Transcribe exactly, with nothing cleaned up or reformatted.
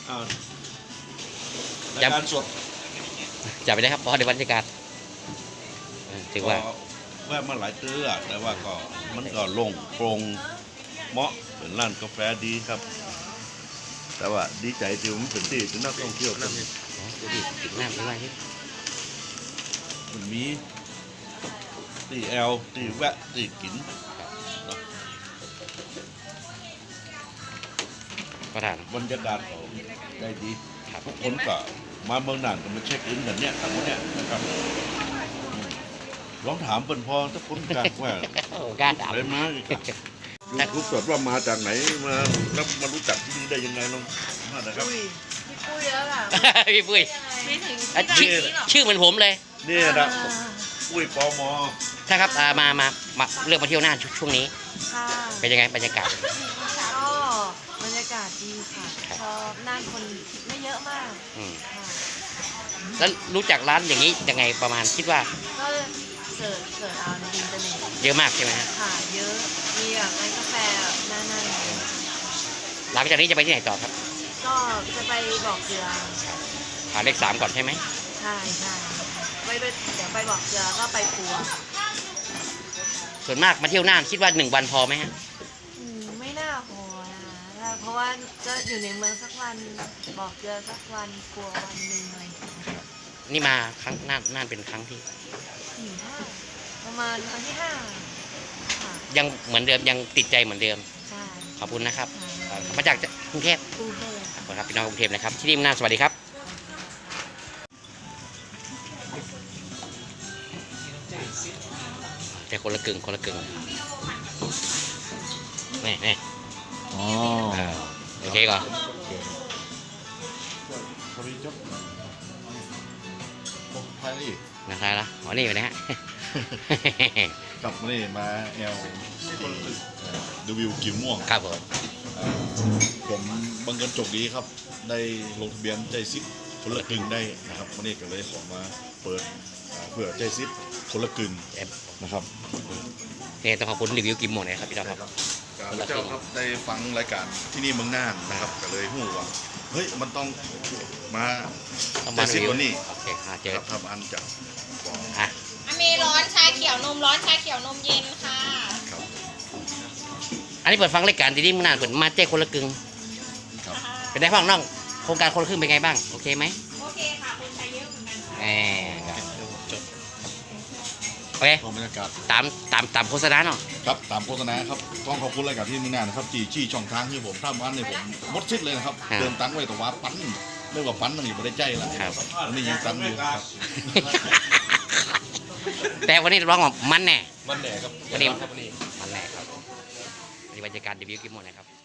รายการสดจับไปได้ครับเพราะในบรรยากาศถือว่าแวะมาหลายเตื้อแต่ว่าก็มันก็โล่งโปร่งเหมาะเป็นร้านกาแฟดีครับแต่ว่าดีใจที่มันเป็นที่ที่นักท่องเที่ยวกันดีติดน้ำด้วยที่มันมีตีแอลตีแวะตีกินประธานบรรยากาศได้ดีทุกคนก็มาเมืองน่านก็มาเช็คอินแบบเนี้ยแบบเนี้ยนะครับลองถามเปิ่นพอถ้าคนกลางว่าการถามอะไรมาอีกยูทูบสดว่ามาจากไหนมาแล้วมารู้จักที่นี่ได้ยังไงลองมานะครับพี่ปุ้ยแล้วล่ะพี่ปุ้ยชื่อชื่อเหมือนผมเลยนี่นะปุ้ยปอมอใช่ครับมามามาเลือกมาเที่ยวน่านช่วงนี้เป็นยังไงบรรยากาศก็บรรยากาศดีค่ะชอบน่านคนไม่เยอะมากแล้วรู้จักร้านอย่างนี้ยังไงประมาณคิดว่าก็เสิร์ชเสิร์ชเอาในอินเทอร์เน็ตเยอะมากใช่ไหมค่ะเยอะมีแบบร้านกาแฟน่านน่านหลังจากนี้จะไปที่ไหนต่อครับก็จะไปบอกเกลือหาเลขสามก่อนใช่ไหมใช่ใช่ไปเดี๋ยวไปบอกเกลือก็ไปปัวส่วนมากมาเที่ยวน่านคิดว่าหนึ่งวันพอไหมฮะไม่น่าพอนะเพราะว่าจะอยู่ในเมืองสักวันบอกเกลือสักวันปัววันหนึ่งอะไรนี่มาครั้งน่านน่านเป็นครั้งที่ประมาณครั้งที่ห้ายังเหมือนเดิมยังติดใจเหมือนเดิมขอบคุณนะครับมาจากกรุงเทพขอบคุณครับพี่น้องกรุงเทพนะครับที่นี่น่านสวัสดีครับแต่คนละกึ่งคนละกึ่งนี่นี่อ๋อโอเคก่อนนะครับละอ๋อนี่ไปนะฮะกลับนี่มาแอลดูวิวกิมม่วงครับผมผมบังเอิญโชคดีครับได้ลงทะเบียนใจซิปคนละกึ่งได้นะครับวันนี้ก็เลยขอมาเปิดเพื่อใจซิปคนละกึ่งนะครับเนี่ยต้องขอบคุณรีวิวกิมม่วงนะครับพี่น้องครับเจ้าครับได้ฟังรายการที่นี่เมืองน่านนะครับก็เลยหู้ว่าเฮ้ยมันต้องมาใจซิปวันนี้โอเคเจอทำอันจากอ่ะมีร้อนชาเขียวนมร้อนชาเขียวนมเย็นค่ะอันนี้เปิดฟังรายการที่นี่เมืองน่านเปิดมาแจ้คนละกึ่งเป็นได้ฟังน้องโครงการคนละครึ่งเป็นไงบ้างโอเคไหมโอเคค่ะคนใช้เยอะเหมือนกันแหมโอเคบรรยากาศตามตามตามโฆษณาเนาะครับตามโฆษณาครับต้องขอบคุณรายการที่นี่นะครับจีจี้ช่องทางที่ผมทำอันนี้ผมมดชิดเลยนะครับเดินตั้งไว้แต่ว่าปั้นเรียกว่าปั้นมันอยู่ไม่ได้ใจแล้วอันนี้ยังตั้งอยู่ครับแต่วันนี้ร้องว่ามันแน่มันแน่ครับวันนี้มันแน่ครับวันนี้บรรยากาศเดบิวต์กิมม่วงนะครับ